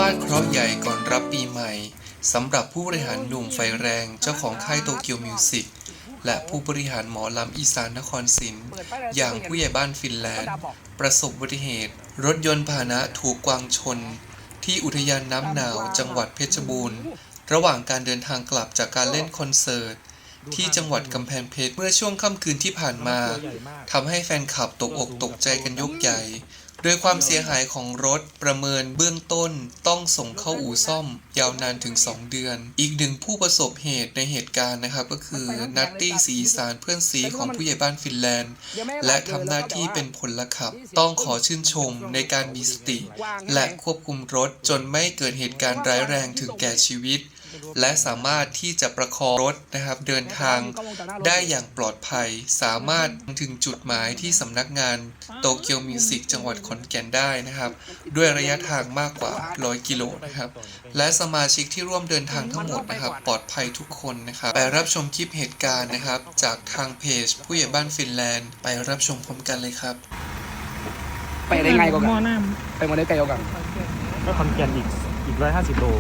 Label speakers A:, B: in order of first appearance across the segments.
A: าดเคราะห์ใหญ่ก่อนรับปีใหม่สำหรับผู้บริหารหนุ่มไฟแรงเจ้าของค่ายโตเกียวมิวสิกและผู้บริหารหมอลำอีสานนครศรีอย่างผู้ใหญ่บ้านฟินแลนด์ประสบอุบัติเหตุรถยนต์พาหนะถูกกวางชนที่อุทยานน้ำหนาวจังหวัดเพชรบูรณ์ระหว่างการเดินทางกลับจากการเล่นคอนเสิร์ตที่จังหวัดกำแพงเพชรเมื่อช่วงค่ำคืนที่ผ่านมาทำให้แฟนคลับตกอกตกใจกันยกใหญ่โดยความเสียหายของรถประเมินเบื้องต้นต้องส่งเข้าอู่ซ่อมยาวนานถึง2 เดือนอีกหนึ่งผู้ประสบเหตุในเหตุการณ์นะครับก็คือนัตตี้ศรีอีสานเพื่อนซีของผู้ใหญ่บ้านฟินแลนด์และทำหน้าที่เป็นพลขับต้องขอชื่นชมในการมีสติและควบคุมรถจนไม่เกิดเหตุการณ์ร้ายแรงถึงแก่ชีวิตและสามารถที่จะประคองรถนะครับเดินทางได้อย่างปลอดภัยสามารถถึงจุดหมายที่สำนักงานโตเกียวมิวสิกจังหวัดขอนแก่นได้นะครับด้วยระยะทางมากกว่า100 กิโลนะครับและสมาชิกที่ร่วมเดินทางทั้งหมดนะครับปลอดภัยทุกคนนะครับไปรับชมคลิปเหตุการณ์นะครับจากทางเพจผู้ใหญ่บ้านฟินแลนด์ไปรับชมพร้อมกันเลยครับ
B: ไปได้ไงก็กันไปมาได้ไกลก็กัน
C: ก็ขอนแก่นอีก150 โล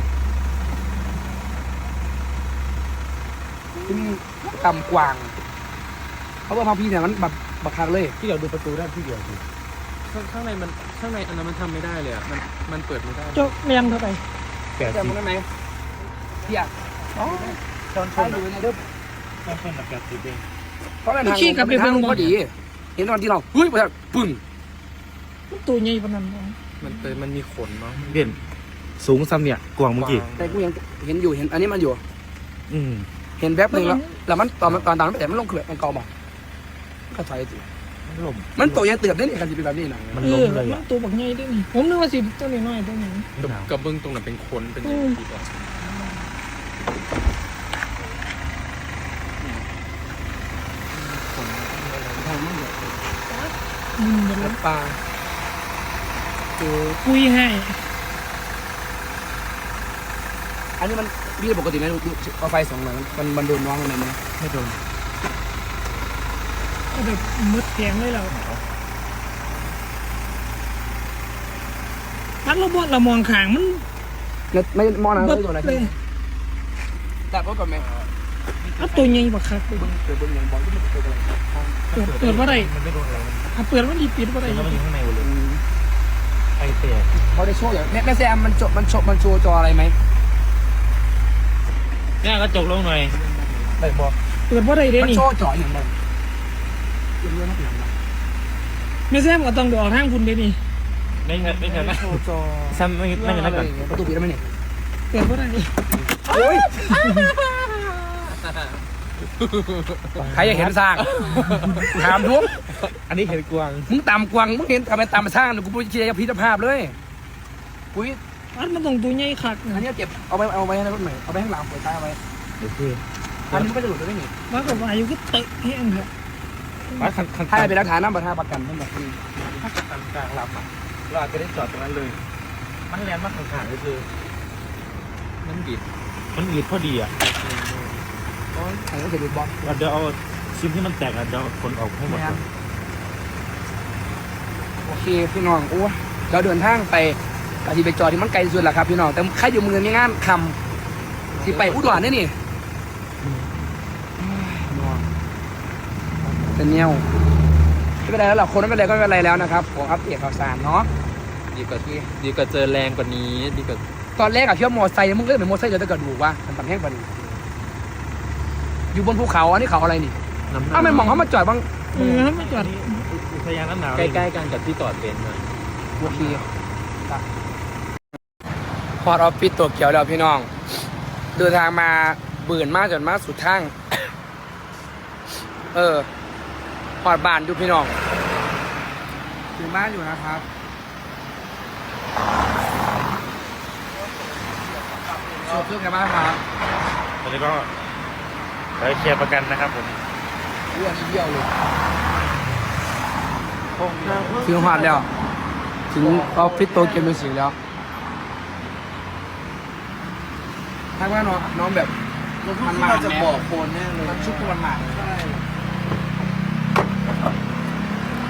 B: ที่นี่ตำกวางเขาบอกพาพี่เนี่ยมันแบบบักคักเลย
C: ที่เดียวดูประตูได้ที่เดียวคือข้างในอันนั้นมันทำไม่ได้เลยอ่ะมันเปิดไม่ได้
D: โจ๊กเรียงเข้าไป
B: แต่มันได้ไหมพี่อยาก
C: ชนอยู่ในเด้อชนแบบ80เอง
B: เพราะมันขี้กับเป็นทางพอดีเห็นตอนที่เราเฮ้ยปึ้ง
D: ตัวใหญ่ปานนั้น
C: มันมีขนเนาะเด่นสูงซ้ำเนี่ยกวางเมื่อกี้
B: แต่กูยังเห็นอยู่เห็นอันนี้มันอยู่เห็นแป๊บนึงแล้วมันตอนนั้นแต่มันลงเขื่อนมันเกาหมอกก็ถอยสิมันตัวใหญ่เติบได้เนี่ยกันจะเป็นแบบนี้นะ
C: มันล้มเลย
D: มันตัวบักใหญ่ด้วยนี่ผมนึกว่าสิตัวน้อยตัวนี้
C: กับเบื้องตรงนั้นเป็นขนเป็นอีกอ่ะ
B: มันเป็นปลา
D: คุยให้
B: อันนี้มันพี่ปกติไหมเอาไฟ2 หน่อยมันโดนน้องอะไรไหม
C: ไม่โดน
D: ก็แบบมืดแข็งเลยเราพัดเรามองขางมัน
B: ไม่มองนะไม่โดนอะไรจับรถก่อนไหม
D: ตัวใหญ่บักคักเลย
B: เปิดยังบอลที่มันเปิดอะไร
D: เปิดว่าไร
C: มันไม่โดนอะไร
D: เปิดว่าดีปิดว่าไร
C: มันอยู่ข้างในเลยไอเตะ
B: เขาได้โชว์อย่างแม่แซมมันโชว์จออะไรไหม
C: เนี่ยก็จกลงหน่อย
B: ได้บอก
D: เปิดว่าไรเด้นี่
B: มันโชว์จออย่างไร
D: ไม่แซมก็ต้องดูออกทางคุณเด้นี่
C: ไม่เงินนะ
B: โชว์จอ
C: ซ้ำไม่นั่นก่อน
B: ประตูปิดได้ไหมเนี่ย
D: เปิดว่าไร
B: โอ้ยใครอยากเห็นสร้างถามทุก
C: อันนี้เห็นกวาง
B: มึงตามกวางมึงเห็นทำไมตามสร้างกูพูดเชียร์พิจารณาเลยกู
D: มันต้องตัวใหญ่คัก
B: อันนี้เก็บเอาไว้ในรถใหม่เอาไปข้างหลังเปิดท้ายเอาไว้
C: โอเค
B: อันนี้ก็จะหลุดไปไม่หนี
D: ว่ากับว่าอยู่ก็เตะเฮี้ยนครับ
B: ถ้าเป็นหลักฐานน้ำประทาประกันทั้งหมด
C: ถ้าจะตัดกลางลำอ่ะเราอาจจะได้จอดตรงนั้นเลยมันแรงมากข้างๆก็คือมันบีดพอดีอ่ะ
B: ใครก็จะดูบอล
C: เดี๋ยวเอาชิ้นที่มันแตกอ่ะเดี๋ยวคนออกให้หมด
B: โอเคพี่น้องโอ้เราเดินทางไปที่ไปจอดที่มันไกลสุดแหละครับพี่น้องแต่ใครอยู่เมืองมีงานคำที่ไปอุดรนี่นี่เป็นเนี้ยไม่เป็นไรแล้วหรอกคนไม่เป็นไรก็ไม่เป็นไรแล้วนะครับผมอัปเดตข่าวสารเนาะ
C: ดีกว่าเจอแรงกว่านี้ดีกว่า
B: ตอนแรกอะเที่ยวมอไซค์มึงเล่นเหมือนมอไซค์เดี๋ยวจะกระดูกว่ามันปั่นแห้งกว่านี้อยู่บนภูเขาอันนี้เขาอะไรนี่อ้าวไม่มองเขามาจอดบ้าง
D: ไม่จอด
C: อุทยานน้ำหนาวใกล้ๆกันกับที่จอดเป็นนะ
B: โอเคพอดออฟฟิศตัวเขียวแล้วพี่น้องเดินทางมาเบื่อมากจนมากสุดทางพอดบ้านดูพี่น้องถึงบ้านอยู่นะครับโชว์เพื่อนกันบ้างครับ
C: ตอนนี้ก็ไปเคลียร์ประกันนะครับผม
B: อ้วนเยี่ยวเลยถึงหอดแล้วถึงออฟฟิศโตเกียวมิวสิกแล้วถ้าว่าน้องแบบมันมาจะบอกโคนแน่เลยมันชุบมันมาใช่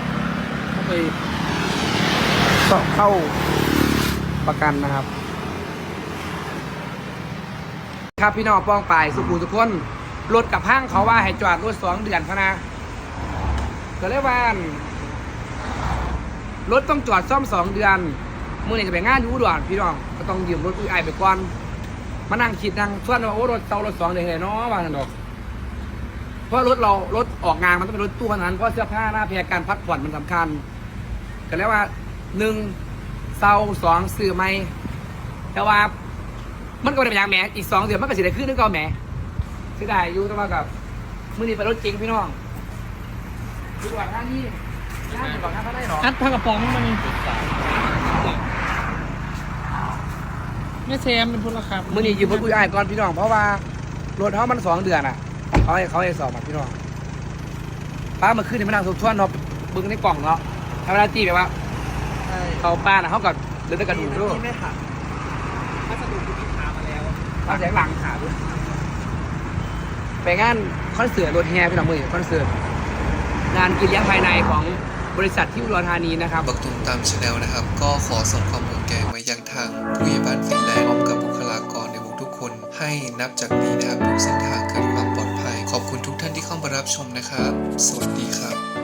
B: เข้าประกันนะครับครับพี่น้องป้องปลายสุขุมทุกคนรถกับห้างเขาว่าให้จอดรถ2 เดือนพะนะก็เลยว่ารถต้องจอดซ่อม2 เดือนมื่อนี้จะไปงานอยู่อุดรพี่น้องก็ต้องยืมรถอุ้ยไอไปก่อนมานั่งคิดนั่งชวนว่าโอ้รถรถ2 เดือนเลยเนาะว่านั่นดอกเพราะรถออกงานมันต้องเป็นรถตู้ขนาดนั้นเพราะเสื้อผ้าหน้าแพรการพักผ่อนมันสำคัญก็แล้วว่า1เซา2ซื้อไม่แต่ว่ามันก็ไม่ได้เป็นอย่างแหมอีก2 เดือนมันก็สิได้ขึ้นนึกเอาแหมเสียดายอยู่แต่ว่ากับมื่อนี้ไปรถจริงพี่น้องอยู่ก่อนหน้านี้ย่านอยู่ก่อนหน้าเขาได้หรอ
D: อัดผ้ากระป๋องมันไม่แซมเป็นพลขับ
B: มื่อนี้ยืมรถอุ้ยไอก่อนพี่น้องเพราะว่ารถเขามัน2 เดือนอ่ะเขาให้สอบมาพี่น้องป้ามาขึ้นในมานั่งทบทวนเนาะบึ้งในกล่องเนาะทำเวลาตีแบบว่าเขาป้าน่ะเขากับเดินตะกระดูกด้วย
C: ที่ไม่หักพัสดุคุณพิธามาแล้ว
B: ป้าแสงหลังขาด้วยไปงานคอนเสิร์ตรถแฮพี่น้องมือคอนเสิร์ตงานกินเลี้ยงภายในของบริษัทที่อุดรธานีนะครับ
A: บักตุมตามชาแนลนะครับ ก็ขอส่งความห่วงใยมายังทางผู้ใหญ่บ้านฟินแลนด์พร้อมกับบุคลากรในวงทุกคนให้นับจากนี้นะครับทุกเส้นทางเกิดความปลอดภัย ขอบคุณทุกท่านที่เข้ามารับชมนะครับ สวัสดีครับ